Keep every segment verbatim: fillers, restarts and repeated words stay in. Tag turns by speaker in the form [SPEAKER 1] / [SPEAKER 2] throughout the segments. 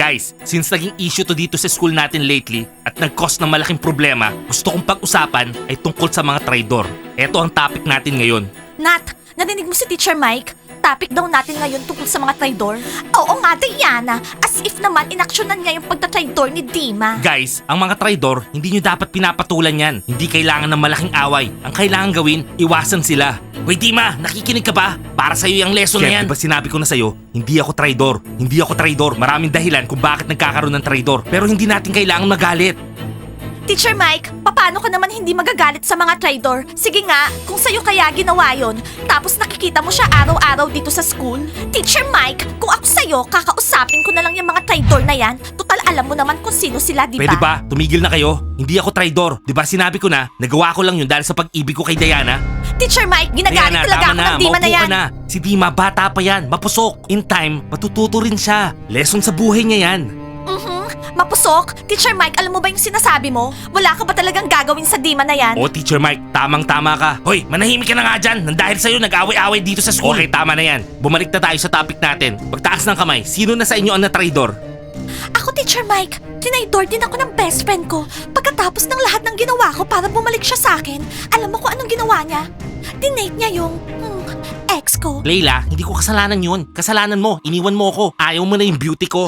[SPEAKER 1] Guys, since naging issue to dito sa school natin lately at nag-cause ng malaking problema, gusto kong pag-usapan ay tungkol sa mga traidor. Ito ang topic natin ngayon.
[SPEAKER 2] Nat, narinig mo si Teacher Mike? Topic daw natin ngayon tungkol sa mga traidor. Oo nga, Diana. As if naman inaksyonan niya yung pagtatraidor ni Dima.
[SPEAKER 1] Guys, ang mga traidor, hindi nyo dapat pinapatulan yan. Hindi kailangan ng malaking away. Ang kailangan gawin, iwasan sila. Hoy Dima, nakikinig ka ba? Para sa'yo yung lesson na yan. Diba sinabi ko na sa'yo, hindi ako traidor. Hindi ako traidor. Maraming dahilan kung bakit nagkakaroon ng traidor. Pero hindi natin kailangan magalit.
[SPEAKER 2] Teacher Mike, paano ka naman hindi magagalit sa mga traidor? Sige nga, kung sa'yo kaya ginawa yon, tapos nakikita mo siya araw-araw dito sa school? Teacher Mike, kung ako sa'yo, kakausapin ko na lang yung mga traidor na yan. Total, alam mo naman kung sino sila, di ba?
[SPEAKER 1] Pwede ba? Tumigil na kayo. Hindi ako traidor. Di ba sinabi ko na, nagawa ko lang yun dahil sa pag-ibig ko kay Diana?
[SPEAKER 2] Teacher Mike, ginagalit
[SPEAKER 1] Diana,
[SPEAKER 2] talaga
[SPEAKER 1] tama
[SPEAKER 2] ako
[SPEAKER 1] na.
[SPEAKER 2] ng Dima na
[SPEAKER 1] Maupo
[SPEAKER 2] yan.
[SPEAKER 1] ka na. Si Dima, bata pa yan. Mapusok. In time, matututo rin siya. Lesson sa buhay niya yan.
[SPEAKER 2] Mhm, mapusok. Teacher Mike, alam mo ba yung sinasabi mo? Wala ka ba talagang gagawin sa Dima na yan?
[SPEAKER 1] O Teacher Mike, tamang-tama ka. Hoy, manahimik ka na nga dyan. Nang dahil sa'yo, nag-away-away dito sa school. Okay, tama na yan. Bumalik na tayo sa topic natin. Pagtaas ng kamay, sino na sa inyo ang na-traidor?
[SPEAKER 2] Ako, Teacher Mike, tinaydor din ako ng best friend ko. Pagkatapos ng lahat ng ginawa ko para bumalik siya sa akin, alam mo kung anong ginawa niya? Dinate niya yung, hmm, ex ko.
[SPEAKER 1] Layla, hindi ko kasalanan yun. Kasalanan mo. Iniwan mo ko. Ayaw mo na yung beauty ko.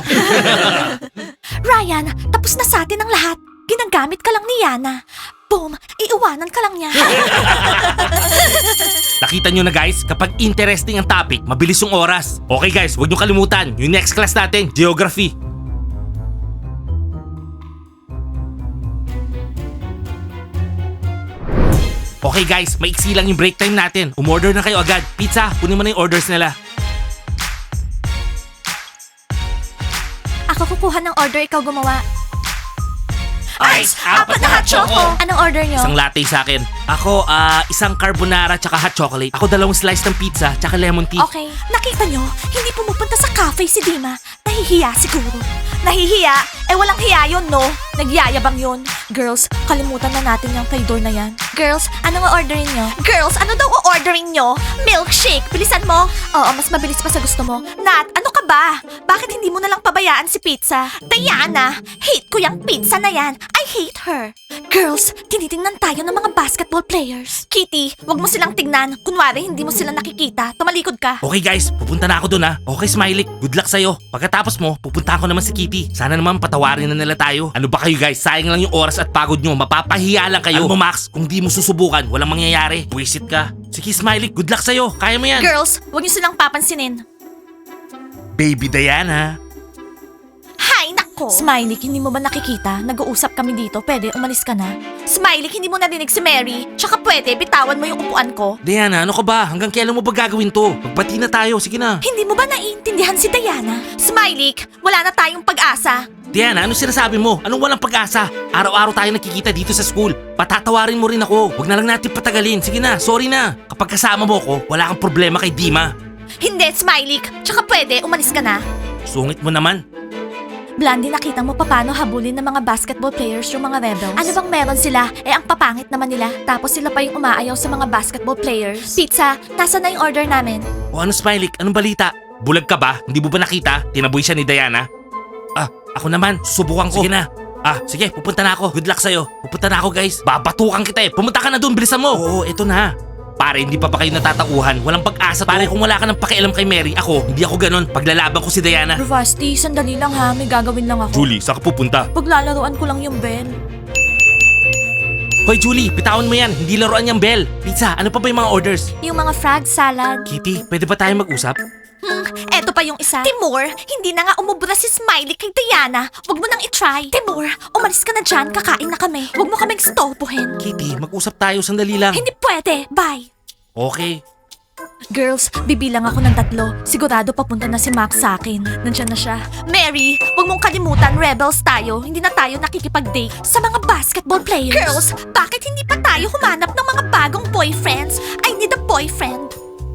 [SPEAKER 2] Ryan, tapos na sa atin ang lahat. Ginagamit ka lang ni Yana. Boom, iiwanan ka lang niya.
[SPEAKER 1] Nakita nyo na guys, kapag interesting ang topic, mabilis yung oras. Okay guys, huwag nyo kalimutan. Yung next class natin, Geography. Okay guys, maiksi lang yung break time natin. Umorder na kayo agad. Pizza, kunin mo na yung orders nila.
[SPEAKER 2] Ako kukuha ng order, ikaw gumawa.
[SPEAKER 1] Ice, apat na hot choco.
[SPEAKER 2] Anong order nyo?
[SPEAKER 1] Isang latte sa akin. Ako, ah, isang carbonara tsaka hot chocolate. Ako dalawang slice ng pizza tsaka lemon tea.
[SPEAKER 2] Okay, nakita nyo, hindi pumupunta sa cafe si Dima. Nahihiya siguro. Nahihiya? Eh walang hiya yun, no? Nagyayabang yun. Girls, kalimutan na natin yung traidor na yan. Girls, anong o-orderin nyo? Girls, ano daw o-orderin nyo? Milkshake, bilisan mo. Oo, mas mabilis pa sa gusto mo. Nat, ano ka ba? Bakit hindi mo na lang pabayaan si pizza? Diana, hate ko yung pizza na yan. I hate her. Girls, tinitingnan tayo ng mga basketball players. Kitty, wag mo silang tignan. Kunwari, hindi mo sila nakikita. Tumalikod ka.
[SPEAKER 1] Okay guys, pupunta na ako dun ha. Okay Smiley, good luck sa'yo. Pagkatapos mo, pupunta ko naman si Kitty. Sana naman patawarin na nila tayo. Ano ba kayo guys, sayang lang yung oras at pagod nyo. Mapapahiya lang kayo. Alam mo Max, kung di mo susubukan, walang mangyayari. Wisit ka. Sige Smiley, good luck sa'yo. Kaya mo yan.
[SPEAKER 2] Girls, wag niyo silang papansinin.
[SPEAKER 1] Baby Diana.
[SPEAKER 2] Hay nako! Smiley, hindi mo ba nakikita? Nag-uusap kami dito. Pwede, umalis ka na. Smiley, hindi mo narinig si Mary. Tsaka pwede, bitawan mo yung upuan ko.
[SPEAKER 1] Diana, ano ka ba? Hanggang kailan mo ba gagawin to? Magbati na tayo, sige na.
[SPEAKER 2] Hindi mo ba naiintindihan si Diana? Smiley, wala na tayong pag-asa.
[SPEAKER 1] Diana, ano sinasabi mo? Anong walang pag-asa? Araw-araw tayo nakikita dito sa school. Patatawarin mo rin ako. Huwag na lang natin patagalin. Sige na, sorry na. Kapag kasama mo ko, wala kang problema kay Dima.
[SPEAKER 2] Hindi, Smiley. Tsaka pwede, umalis ka na.
[SPEAKER 1] Sungit mo naman.
[SPEAKER 2] Blondie, nakita mo paano habulin ng mga basketball players yung mga rebels? Ano bang meron sila? Eh, ang papangit naman nila. Tapos sila pa yung umaayaw sa mga basketball players. Pizza, nasa na yung order namin?
[SPEAKER 1] O ano Smiley, anong balita? Bulag ka ba? Hindi mo ba nakita? Tinaboy siya ni Diana? Ah, ako naman, susubukan ko. Sige na. Ah, sige, pupunta na ako. Good luck sa'yo. Pupunta na ako guys. Babatukan kita eh. Pumunta ka na doon, bilisan mo. Oo, eto na. Pare, hindi pa pa kayo natatauhan. Walang pag-asa to. Pare, kung wala ka ng pakialam kay Mary, ako, hindi ako ganun. Paglalaban ko si Diana.
[SPEAKER 2] Bravasti, sandali lang ha. May gagawin lang ako.
[SPEAKER 1] Julie, saan ka pupunta?
[SPEAKER 2] Paglalaroan ko lang yung bell.
[SPEAKER 1] Hoy Julie, bitawan mo yan. Hindi laruan yung bell. Pizza, ano pa ba yung mga orders?
[SPEAKER 2] Yung mga frog salad.
[SPEAKER 1] Kitty, pwede ba tayo mag-usap?
[SPEAKER 2] Hmm, eto pa yung isa. Timur, hindi na nga umubra si Smiley kay Diana. Huwag mo nang itry. Timur, umalis ka na dyan. Kakain na kami. Huwag mo kaming stolpuhin.
[SPEAKER 1] Kitty, mag-usap tayo. Sandali lang.
[SPEAKER 2] Hindi pwede. Bye.
[SPEAKER 1] Okay.
[SPEAKER 2] Girls, bibilang ako ng tatlo. Sigurado papunta na si Max sa akin. Nandiyan na siya. Mary, huwag mong kalimutan, rebels tayo. Hindi na tayo nakikipag-date sa mga basketball players. Girls, bakit hindi pa tayo humanap ng mga bagong boyfriends? I need a boyfriend.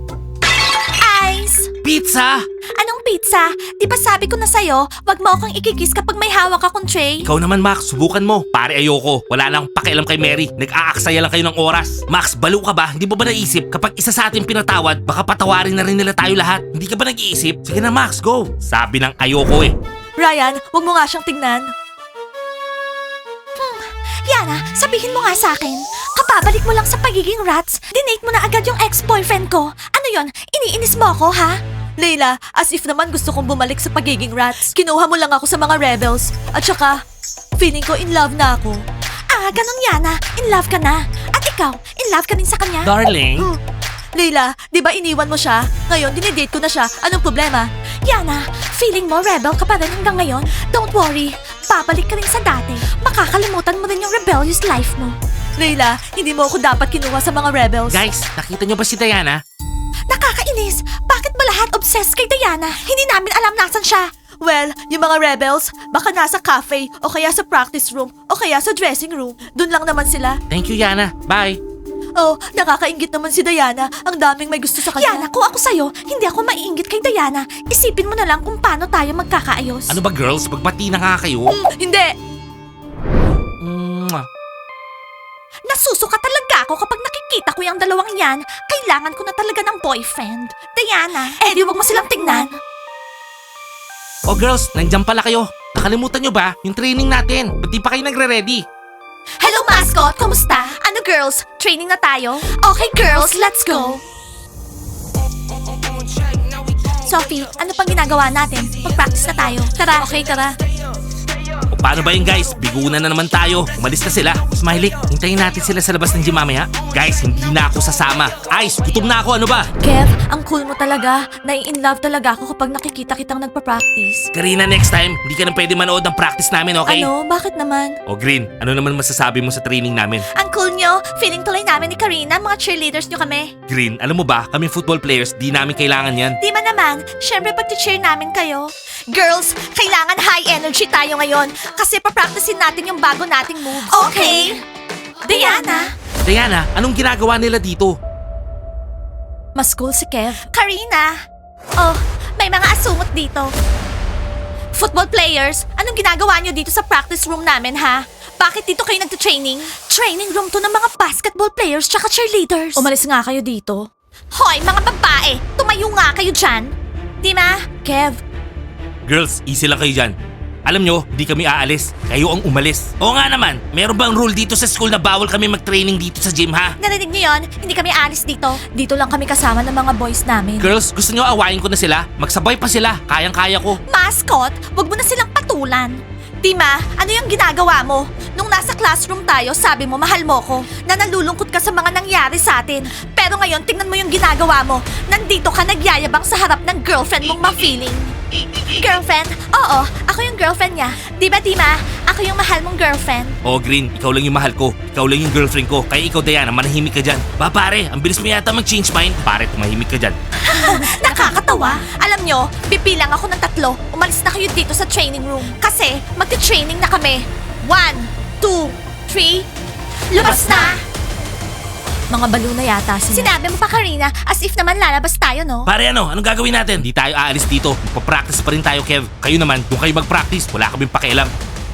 [SPEAKER 2] Ice!
[SPEAKER 1] Pizza!
[SPEAKER 2] Anong pizza? Di ba sabi ko na sa'yo, wag mo akong ikikis kapag may hawak akong tray?
[SPEAKER 1] Ikaw naman Max, subukan mo. Pare ayoko. Wala lang pakialam kay Mary. Nag-aaksaya lang kayo ng oras. Max, balo ka ba? Hindi mo ba naisip kapag isa sa atin pinatawad, baka patawarin na rin nila tayo lahat? Hindi ka ba nag-iisip? Sige na Max, go! Sabi ng ayoko eh.
[SPEAKER 2] Ryan, wag mo nga siyang tingnan. Hmm, Yana, sabihin mo nga sa akin. Kapabalik mo lang sa pagiging rats, dinate mo na agad yung ex-boyfriend ko. Ano yon? Iniinis mo ako, ha? Leila, as if naman gusto kong bumalik sa pagiging rats. Kinuha mo lang ako sa mga rebels. At saka, feeling ko in love na ako. Ah, ganun Yana. In love ka na. At ikaw, in love ka din sa kanya?
[SPEAKER 1] Darling.
[SPEAKER 2] Hmm. Leila, di ba iniwan mo siya? Ngayon, dinidate ko na siya. Anong problema? Yana, feeling mo rebel ka pa rin hanggang ngayon? Don't worry, babalik ka rin sa dati. Makakalimutan mo rin yung rebellious life mo. Leila, hindi mo ako dapat kinuha sa mga rebels.
[SPEAKER 1] Guys, nakita niyo ba si Diana?
[SPEAKER 2] Nakakainis! Bakit ba lahat obsessed kay Diana? Hindi namin alam nasan siya. Well, yung mga rebels, baka nasa cafe, o kaya sa practice room, o kaya sa dressing room. Doon lang naman sila.
[SPEAKER 1] Thank you, Yana. Bye.
[SPEAKER 2] Oh, nakakaingit naman si Diana. Ang daming may gusto sa kanya. Yana, kung ako sa'yo, hindi ako maiingit kay Diana. Isipin mo na lang kung paano tayo magkakaayos.
[SPEAKER 1] Ano ba girls? Magbati na nga kayo.
[SPEAKER 2] Hmm, hindi.
[SPEAKER 1] Mwah.
[SPEAKER 2] Nasusuka talaga ako kapag nakikita ko yung dalawang yan. Kailangan ko na talaga ng boyfriend. Diana, eh di wag mo silang tingnan.
[SPEAKER 1] Oh girls, nandyan pala kayo. Nakalimutan nyo ba yung training natin? Ba't di pa kayo nagre-ready?
[SPEAKER 2] Hello, mascot! Kumusta? Ano, girls? Training na tayo? Okay, girls, let's go! Sophie, ano pang ginagawa natin? Mag-practice na tayo. Tara. Okay, tara.
[SPEAKER 1] O paano ba yun guys? Bigunan na naman tayo. Umalis na sila. Smiley, hintayin natin sila sa labas ng gym mamaya. Guys, hindi na ako sasama. Ice, gutom na ako. Ano ba?
[SPEAKER 2] Kev, ang cool mo talaga. Nai-inlove talaga ako kapag nakikita kitang nagpa-practice.
[SPEAKER 1] Karina, next time, hindi ka na pwede manood ng practice namin, okay?
[SPEAKER 2] Ano? Bakit naman?
[SPEAKER 1] O Green, ano naman masasabi mo sa training namin?
[SPEAKER 2] Ang cool nyo. Feeling tuloy namin ni Karina. Mga cheerleaders nyo kami.
[SPEAKER 1] Green, alam mo ba, kami football players, di namin kailangan yan.
[SPEAKER 2] Di man naman, syempre pag-cheer namin kayo. Girls, kailangan high energy tayo ngayon kasi papracticein natin yung bago nating moves. Okay. Diana.
[SPEAKER 1] Diana, anong ginagawa nila dito?
[SPEAKER 2] Mas cool si Kev. Karina. Oh, may mga asungot dito. Football players, anong ginagawa nyo dito sa practice room namin, ha? Bakit dito kayo nagte-training? Training room to ng mga basketball players tsaka cheerleaders. Umalis nga kayo dito. Hoy, mga babae! Tumayo nga kayo dyan! Di ma? Kev,
[SPEAKER 1] Girls, easy lang kayo dyan. Alam nyo, di kami aalis. Kayo ang umalis. Oo nga naman, meron bang rule dito sa school na bawal kami mag-training dito sa gym, ha?
[SPEAKER 2] narinig niyo yon? Hindi kami alis dito. Dito lang kami kasama ng mga boys namin.
[SPEAKER 1] Girls, gusto nyo awayin ko na sila? Magsabay pa sila. Kayang-kaya ko.
[SPEAKER 2] Mascot, wag mo na silang patulan. Tima, ano yung ginagawa mo? Nung nasa classroom tayo, sabi mo mahal mo ko, na nalulungkot ka sa mga nangyari sa atin. Pero ngayon, tingnan mo yung ginagawa mo. Nandito ka nagyayabang sa harap ng girlfriend mong ma-feeling. Girlfriend? Oo, ako yung girlfriend niya. Di ba, Tima? Ako yung mahal mong girlfriend.
[SPEAKER 1] Oh, Green, ikaw lang yung mahal ko. Ikaw lang yung girlfriend ko. Kaya ikaw, Diana, manahimik ka dyan. Ba, pare, ang bilis mo yata mag-change mind. Pare, tumahimik ka dyan.
[SPEAKER 2] Nakakatawa. Alam nyo, pipilang ako ng tatlo. Umalis na kayo dito sa training room. Kasi, magti-training na kami. One, two, three, lumabas na! Mga balo na yata sila. Sinabi mo pa, Karina, as if naman lalabas tayo, no?
[SPEAKER 1] Pare, ano? Anong gagawin natin? Di tayo aalis dito. Magpa-practice pa rin tayo, Kev. Kayo naman, kung kayo mag-practice, wala kaming pakialam.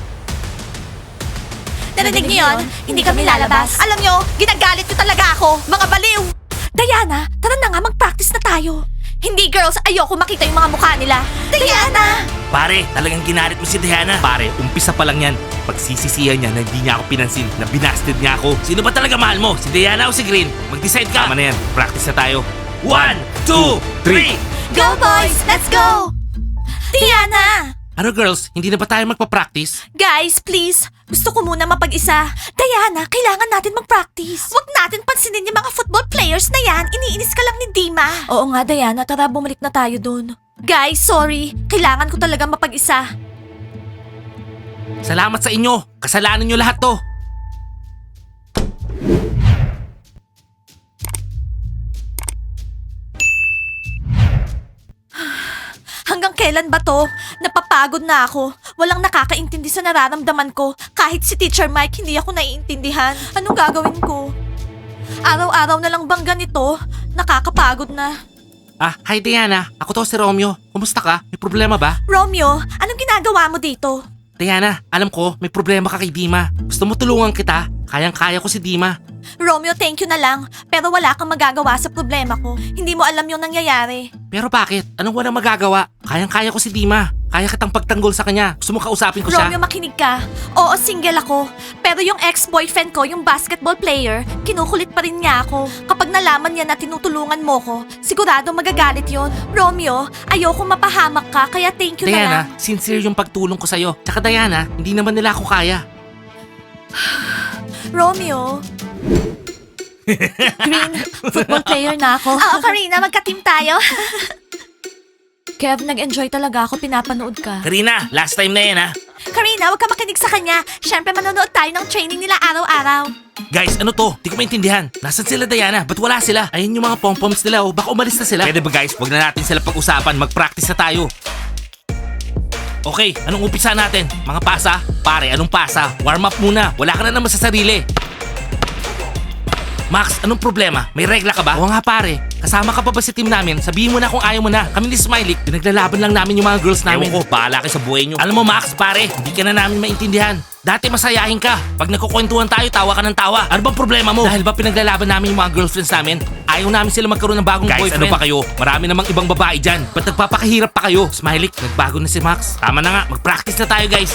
[SPEAKER 2] Narinig niyo yun? Hindi kami lalabas. Alam nyo, ginagalit nyo talaga ako. Mga baliw! Diana, tara na nga, mag-practice na tayo. Hindi, girls. Ayoko makita yung mga mukha nila. Diana!
[SPEAKER 1] Pare, talagang ginarit mo si Diana. Pare, umpisa pa lang yan. Pagsisisihan niya na hindi niya ako pinansin, na binasted niya ako. Sino ba talaga mahal mo? Si Diana o si Green? Mag-decide ka. Tama na yan. Practice na tayo. One, two, three.
[SPEAKER 2] Go, boys! Let's go! Diana!
[SPEAKER 1] Ano girls, hindi na ba tayo magpa-practice?
[SPEAKER 2] Guys, please. Gusto ko muna mapag-isa. Diana, kailangan natin mag-practice. Huwag natin pansinin yung mga football players na yan. Iniinis ka lang ni Dima. Oo nga, Diana. Tara, bumalik na tayo dun. Guys, sorry. Kailangan ko talaga mapag-isa.
[SPEAKER 1] Salamat sa inyo. Kasalanan nyo lahat to.
[SPEAKER 2] Hanggang kailan ba to? Napapagod na ako. Walang nakakaintindi sa nararamdaman ko. Kahit si Teacher Mike, hindi ako naiintindihan. Anong gagawin ko? Araw-araw na lang bang ganito? Nakakapagod na.
[SPEAKER 1] Ah, hi Diana. Ako to si Romeo. Kumusta ka? May problema ba?
[SPEAKER 2] Romeo, anong ginagawa mo dito?
[SPEAKER 1] Diana, alam ko, may problema ka kay Dima. Gusto mo tulungan kita? Kayang-kaya ko si Dima.
[SPEAKER 2] Romeo, thank you na lang. Pero wala kang magagawa sa problema ko. Hindi mo alam yung nangyayari.
[SPEAKER 1] Pero bakit? Anong walang magagawa? Kayang-kaya ko si Dima. Kaya kitang pagtanggol sa kanya. Gusto mo kausapin ko siya?
[SPEAKER 2] Romeo, makinig ka. Oo, single ako. Pero yung ex-boyfriend ko, yung basketball player, kinukulit pa rin niya ako. Kapag nalaman niya na tinutulungan mo ko, sigurado magagalit yon. Romeo, ayoko mapahamak ka, kaya thank you na lang.
[SPEAKER 1] Diana, sincere yung pagtulong ko sa'yo. Tsaka Diana, hindi naman nila ako kaya.
[SPEAKER 2] Romeo. Green, football player na ako. Oo, Karina, magka-team tayo. Kev, nag-enjoy talaga ako, pinapanood ka.
[SPEAKER 1] Karina, last time na yan ha.
[SPEAKER 2] Karina, huwag ka makinig sa kanya. Siyempre, manonood tayo ng training nila araw-araw.
[SPEAKER 1] Guys, ano to? Di ko maintindihan. Nasaan sila Diana? Ba't wala sila? Ayun yung mga pom-poms nila oh. Baka umalis na sila. Pwede ba guys? Huwag na natin sila pag-usapan. Mag-practice na tayo. Okay, anong umpisa natin? Mga pasa? Pare, anong pasa? Warm up muna. Wala ka na naman sa sarili. Max, anong problema? May regla ka ba? Oo nga pare. Kasama ka pa ba sa team namin? Sabihin mo na kung ayaw mo na. Kami ni Smiley, pinaglalaban lang namin yung mga girls namin. Ewan ko, bahala kayo sa buhay nyo. Alam mo Max, pare, hindi ka na namin maintindihan. Dati masayahin ka. Pag nagkukwentuhan tayo, tawa ka ng tawa. Ano bang problema mo? Dahil ba pinaglalaban namin yung mga girlfriends namin? Ayaw namin sila magkaroon ng bagong
[SPEAKER 3] Guys,
[SPEAKER 1] boyfriend.
[SPEAKER 3] ano
[SPEAKER 1] pa kayo? Marami namang ibang babae dyan. Ba't nagpapakahirap pa kayo? Smiley, nagbago na si Max. Tama na nga, mag-practice na tayo guys.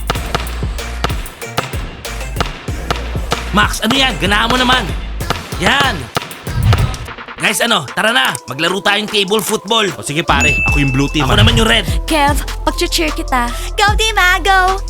[SPEAKER 1] Max, ano yan? Ganahan mo naman. Yan. Guys, ano? Tara na. Maglaro tayong table football. O sige pare, ako yung blue team. Ako naman yung red.
[SPEAKER 2] Kev, pag-cheer kita. Go, Dima, go!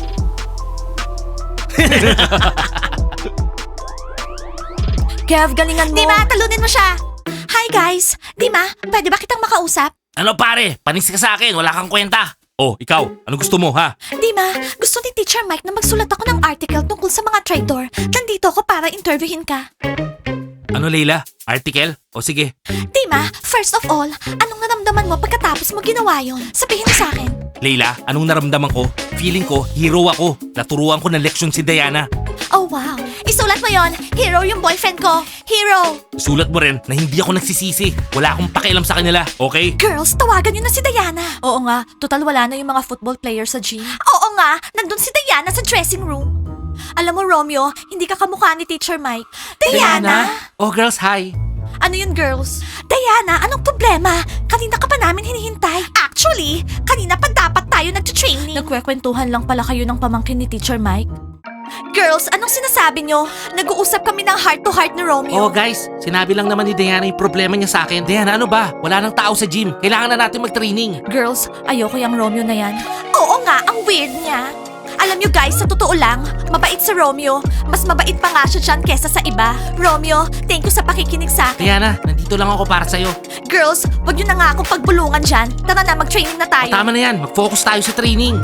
[SPEAKER 2] Kev, galingan mo. Dima, talunin mo siya. Hi guys. Dima, pwede ba kitang makausap?
[SPEAKER 1] Ano pare? Panis ka sa akin. Wala kang kwenta. Oh, ikaw. Ano gusto mo, ha?
[SPEAKER 2] Dima, gusto ni Teacher Mike na magsulat ako ng article tungkol sa mga traitor. Nandito ako para interviewin ka.
[SPEAKER 1] Ano, Leila? Article? O sige.
[SPEAKER 2] Dima, first of all, anong naramdaman mo pagkatapos mo ginawa yon? Sabihin mo sa akin.
[SPEAKER 1] Leila, anong naramdaman ko? Feeling ko, hero ako. Naturuan ko ng leksyon si Diana.
[SPEAKER 2] Oh wow, isulat mo yon. Hero yung boyfriend ko. Hero!
[SPEAKER 1] Sulat mo rin na hindi ako nagsisisi. Wala akong pakialam sa kanila, okay?
[SPEAKER 2] Girls, tawagan niyo na si Diana. Oo nga, total wala na yung mga football players sa gym. Oo nga, nandun si Diana sa dressing room. Alam mo, Romeo, hindi ka kamukha ni Teacher Mike. Diana?
[SPEAKER 1] Oh, girls, hi.
[SPEAKER 2] Ano yun, girls? Diana, anong problema? Kanina ka pa namin hinihintay. Actually, kanina pa dapat tayo nag-training. Nagkwekwentuhan lang pala kayo ng pamangkin ni Teacher Mike. Girls, anong sinasabi nyo? Nag-uusap kami ng heart-to-heart ni Romeo.
[SPEAKER 1] Oh, guys, sinabi lang naman ni Diana yung problema niya sa akin. Diana, ano ba? Wala nang tao sa gym. Kailangan na natin mag-training.
[SPEAKER 2] Girls, ayoko yung Romeo na yan. Oo nga, ang weird niya. Alam nyo guys, sa totoo lang, mabait si Romeo. Mas mabait pa nga siya dyan kesa sa iba. Romeo, thank you sa pakikinig sa akin.
[SPEAKER 1] Diana, nandito lang ako para sa'yo.
[SPEAKER 2] Girls, wag nyo na nga akong pagbulungan dyan. Tara na, mag-training na tayo.
[SPEAKER 1] O, tama na yan. Mag-focus tayo sa training.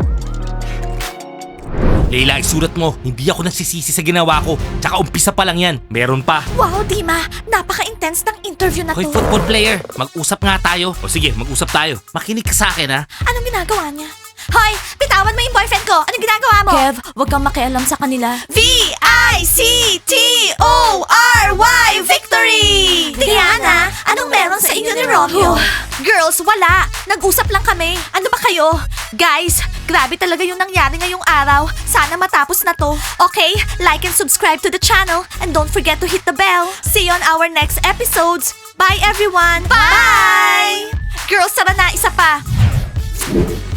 [SPEAKER 1] Leila, isulat mo. Hindi ako nagsisisi sa ginawa ko. Tsaka umpisa pa lang yan. Meron pa.
[SPEAKER 2] Wow, Dima, napaka-intense ng interview na
[SPEAKER 1] Hoy,
[SPEAKER 2] to.
[SPEAKER 1] football player. Mag-usap nga tayo. O sige, mag-usap tayo. Makinig ka sa akin, ha?
[SPEAKER 2] Anong ginagawa niya? Hoy, bitawan mo yung boyfriend ko. Anong ginagawa mo? Kev, wag kang makialam sa kanila. V I C T O R Y Victory! Diana, anong meron sa inyo ni Romeo? Girls, wala. Nag-usap lang kami. Ano ba kayo? Guys, grabe talaga yung nangyari ngayong araw. Sana matapos na to. Okay, like and subscribe to the channel. And don't forget to hit the bell. See you on our next episodes. Bye everyone! Bye! Girls, tara na, isa pa.